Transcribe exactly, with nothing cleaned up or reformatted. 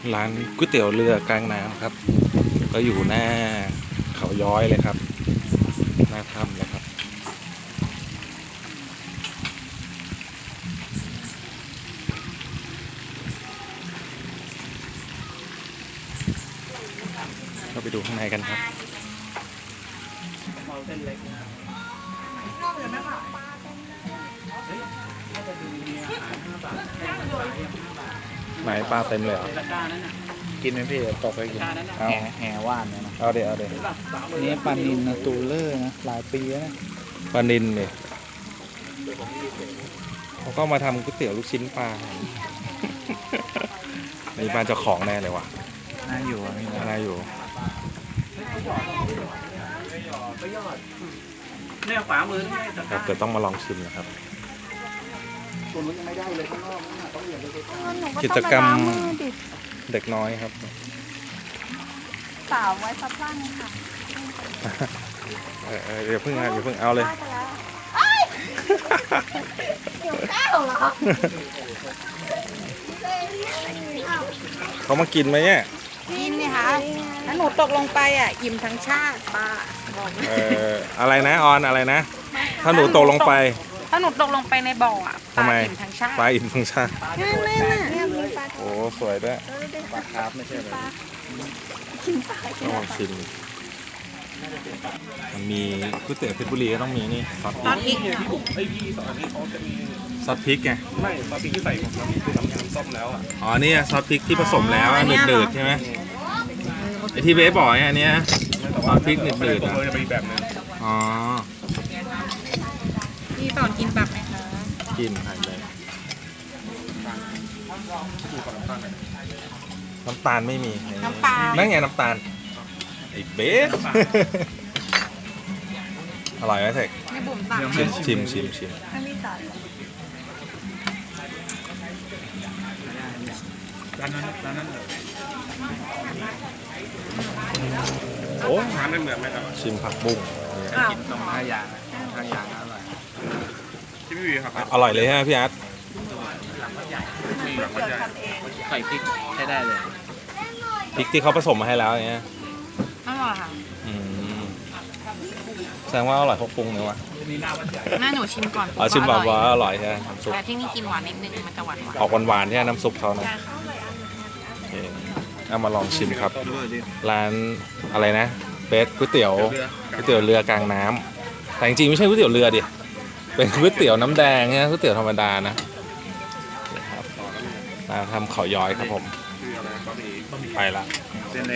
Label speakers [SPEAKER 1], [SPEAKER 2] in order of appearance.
[SPEAKER 1] ร้านก๋วยเตี๋ยวเรือกลางน้ำครับก็อยู่หน้าเขาย้อยเลยครับหน้าถ้ำเลยครับเราไปดูข้างในกันครับไหนปลาเต็มเลยเหรอกินไหมพี่ตกไปกินเอา
[SPEAKER 2] แห่แห่ว่านเนี่ยนะ
[SPEAKER 1] เอาเดี๋ยวเอาเดี๋ยว
[SPEAKER 2] นี่ปลานินนะตูเลอร์นะหลายปีแล้วนะ
[SPEAKER 1] ปลานิลเนี่ยเขาก็มาทำก๋วยเตี๋ยวลูกชิ้นปลาในบ้านเจ้าของแน่เลยว่ะ
[SPEAKER 2] น่าอยู่อ่ะพี่
[SPEAKER 1] น่าอยู่
[SPEAKER 3] เนี่ยขวามือนี่
[SPEAKER 1] ครับแต่ต้องมาลองชิมนะครับ
[SPEAKER 2] ตัวนู้นยังไม่ได้เลยข้างนอกนะต้องเหยียบเลย
[SPEAKER 1] กิจกรรมเด็กน้อยครับ
[SPEAKER 4] สาวไว้ซับล่างค่ะ
[SPEAKER 1] เออเออเดี๋ยวเพิ่งเอาเดี๋ยวเพิ่งเอาเลย
[SPEAKER 4] ได้ไปแล้วเอ้ยเดี๋ยวก้าวเหรอ
[SPEAKER 1] เขามากินไหมเนี่ย
[SPEAKER 4] กินนี่ค่ะแล้วหนูตกลงไปอ่ะอิ่มทั้งชาติป้าบอก
[SPEAKER 1] เอออะไรนะออนอะไรนะ ถ้าหนูตกลงไป
[SPEAKER 4] ถ้าหนูตกลงไปในบ่ออ่ะป
[SPEAKER 1] ทำ
[SPEAKER 4] ลา
[SPEAKER 1] ไม
[SPEAKER 4] อิ่มทั้งชาติ
[SPEAKER 1] ปลาอิ่มทั้งชาติ
[SPEAKER 4] นั่นนั่นน่ะเนี่ยมีปลา
[SPEAKER 1] โอ้สวยด้วย
[SPEAKER 2] ปลาคาร์ฟไม่ใช่เลย
[SPEAKER 1] ต้องลองชิมมันมีก๋วยเตี๋ยวเพชรบุรีก็ต้องมีนี่ซอสพ
[SPEAKER 4] ตอน
[SPEAKER 1] ริก
[SPEAKER 4] นี้
[SPEAKER 3] ไอพี่สอนอันนี้เขาจะมี
[SPEAKER 1] ซอสพริกไง
[SPEAKER 3] ไม่ตอนพี่ที่ใส่ของเราคือน้ำยำส้มแล้วอ่ะ
[SPEAKER 1] อ๋อนี่ซอสพริกที่ผสมแล้วหนืดๆใช่ไหมไอที่เบสบอกเนี่ยอันเนี้ยซอสพริกหนืด
[SPEAKER 3] ตัว
[SPEAKER 1] ๆอ่ะ
[SPEAKER 3] เลยจะเป็นแบบนึง
[SPEAKER 1] อ๋อ
[SPEAKER 4] พี่สอนกินแบบไหมคะ
[SPEAKER 1] กินหันเลยน้ำตาลไม่มี
[SPEAKER 4] น้ำปลา
[SPEAKER 1] นั่นไงน้ำตาลไอเบส อร่อยไหมเทค
[SPEAKER 4] ในบุ๋มตัก
[SPEAKER 1] ชิมชิมชิมชิม
[SPEAKER 4] ให้พี่สอน
[SPEAKER 3] ร้านนั้นร้านนั้น
[SPEAKER 1] โอ้
[SPEAKER 3] ร้านนั้นเหมือนไหมครับ
[SPEAKER 1] ชิมผักบุ้ง
[SPEAKER 4] อ้าว
[SPEAKER 2] กินตรงท่ายางท่ายางอร่อย
[SPEAKER 3] ที่พี่วีครับ
[SPEAKER 1] อร่อยเลยใช่ไหมพี่อาร์ต
[SPEAKER 3] มีแบบว่าใหญ่
[SPEAKER 2] ใส่พริกใช้ได้เลย
[SPEAKER 1] พริกที่เขาผสมมาให้แล้วอย่างเงี้ย
[SPEAKER 4] อร่อยค่ะ
[SPEAKER 1] อืมแสดงว่าอร่อยเขาปรุงเลยวะ
[SPEAKER 4] แม่หนูชิมก่อน
[SPEAKER 1] อ๋อชิมแบบว่า
[SPEAKER 4] ร่อย
[SPEAKER 1] อร่อยใช่ไหมน้ำซุป
[SPEAKER 4] แต่ที่นี่กินหวานนิดนึงมันจะหวานหวาน
[SPEAKER 1] ออกหวานๆใช่ไหมน้ำซุปเขานะโอเคเอามาลองชิมครับ ร้านอะไรนะเบสก๋วยเตี๋ยวก๋วยเตี๋ยวเรือกลางน้ำแต่จริงๆไม่ใช่ก๋วยเตี๋ยวเรือดิเป็นก๋วยเตี๋ยวน้ำแดงเนี่ยก๋วยเตี๋ยวธรรมดานะนี่ครับมาทำเขาย้อยครับผม
[SPEAKER 3] คืออะไรก็มี
[SPEAKER 1] ไปละ